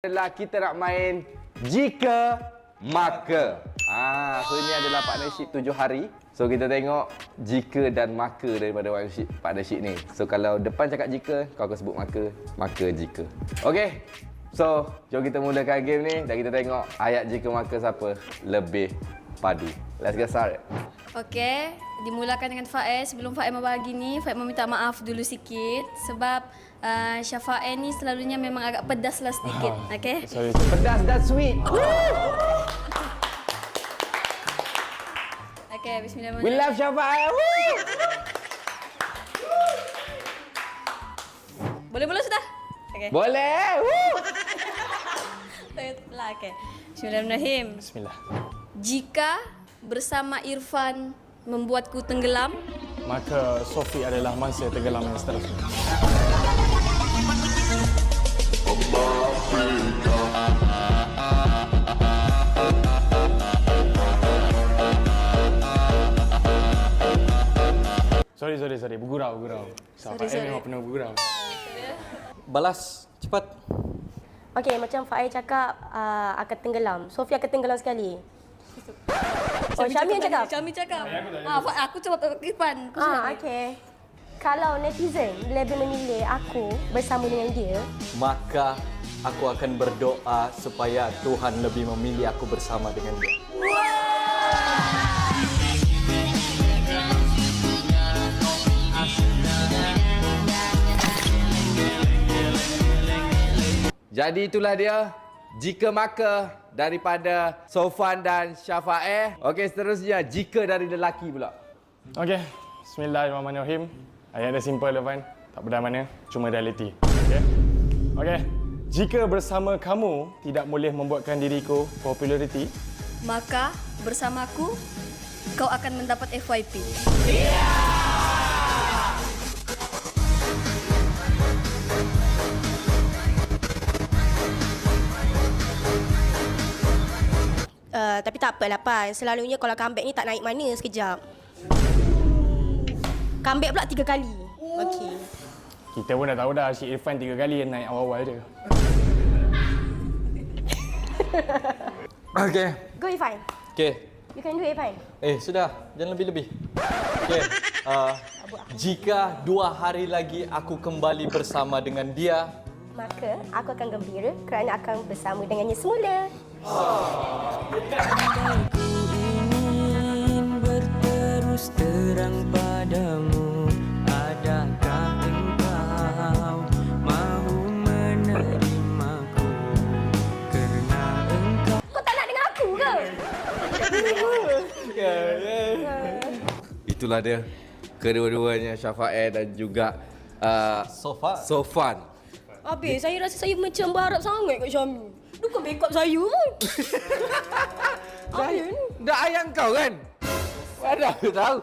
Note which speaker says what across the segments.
Speaker 1: adalah kita nak main jika maka. So ini adalah partnership 7 hari. So kita tengok jika dan maka daripada partnership ni. So kalau depan cakap jika, kau akan sebut maka jika. Okey. So jom kita mulakan game ni dan kita tengok ayat jika maka siapa lebih padu. Let's get started.
Speaker 2: Okey, dimulakan dengan Faiz. Sebelum Faiz membagi ni, Faiz meminta maaf dulu sikit sebab Syafae ni selalunya memang agak pedas lah sedikit. Okey.
Speaker 3: Sorry.
Speaker 1: Pedas dan sweet.
Speaker 2: Okey, bismillahirrahmanirrahim.
Speaker 1: We love Syafae.
Speaker 2: Boleh sudah? Okey.
Speaker 1: Boleh.
Speaker 2: Lah, okey. Bismillahirrahmanirrahim.
Speaker 3: Bismillah.
Speaker 2: Jika bersama Irfan membuatku tenggelam,
Speaker 3: Maka Sofi adalah mangsa tenggelam yang seterusnya. Sorry. Bergurau. Sahabat
Speaker 2: Sorry.
Speaker 3: memang pernah bergurau.
Speaker 4: Balas cepat.
Speaker 5: Okey, macam Faiz cakap akan tenggelam. Sofi akan tenggelam sekali. Oh, Syami yang cakap?
Speaker 2: Syami cakap. Aku cakap Irfan.
Speaker 5: Okey. Kalau netizen lebih memilih aku bersama dengan dia,
Speaker 4: Maka aku akan berdoa supaya Tuhan lebih memilih aku bersama dengan dia.
Speaker 1: Jadi itulah dia jika maka daripada Sofan dan Syafae. Okey, seterusnya jika dari lelaki pula.
Speaker 3: Okey. Bismillahirrahmanirrahim. Ayat dia simple, Irfan. Tak benda mana, cuma reality. Okey. Jika bersama kamu tidak boleh membuatkan diriku populariti,
Speaker 2: Maka bersamaku kau akan mendapat FYP.
Speaker 5: tapi tak apalah Pan. Selalunya kalau comeback ni tak naik mana sekejap. Comeback pula 3 kali. Okey.
Speaker 3: kita pun dah tahu dah si Irfan 3 kali yang naik awal-awal je.
Speaker 4: Okey.
Speaker 5: Go Irfan.
Speaker 4: Okey.
Speaker 5: You can do it Irfan.
Speaker 4: Sudah. Jangan lebih-lebih. Okey. Jika 2 hari lagi aku kembali bersama dengan dia,
Speaker 5: Maka aku akan gembira kerana akan bersama dengannya semula.
Speaker 6: Ku ingin berterus terang padamu. Adakah engkau mahu menerimaku? Kerana engkau
Speaker 5: Kau tak nak dengan aku ke?
Speaker 1: Itulah dia kedua-duanya Syafae dan juga Sofan.
Speaker 5: Habis, saya rasa saya macam berharap sangat kat Syami. Dia kan backup saya pun.
Speaker 1: Dah ayang kau kan? Mana aku tahu?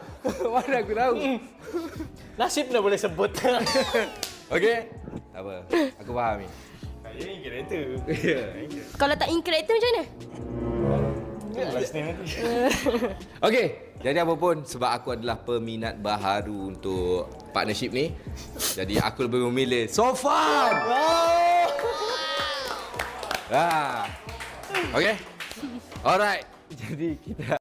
Speaker 4: nasib dah boleh sebut.
Speaker 1: Okey? Tak apa. Aku faham ni.
Speaker 3: Saya ni kereta.
Speaker 5: Kalau tak in character macam mana?
Speaker 3: Last name nanti.
Speaker 1: Okey, jadi apa pun sebab aku adalah peminat baharu untuk partnership ni. Jadi aku lebih memilih Sofan. Okey. Alright. Jadi kita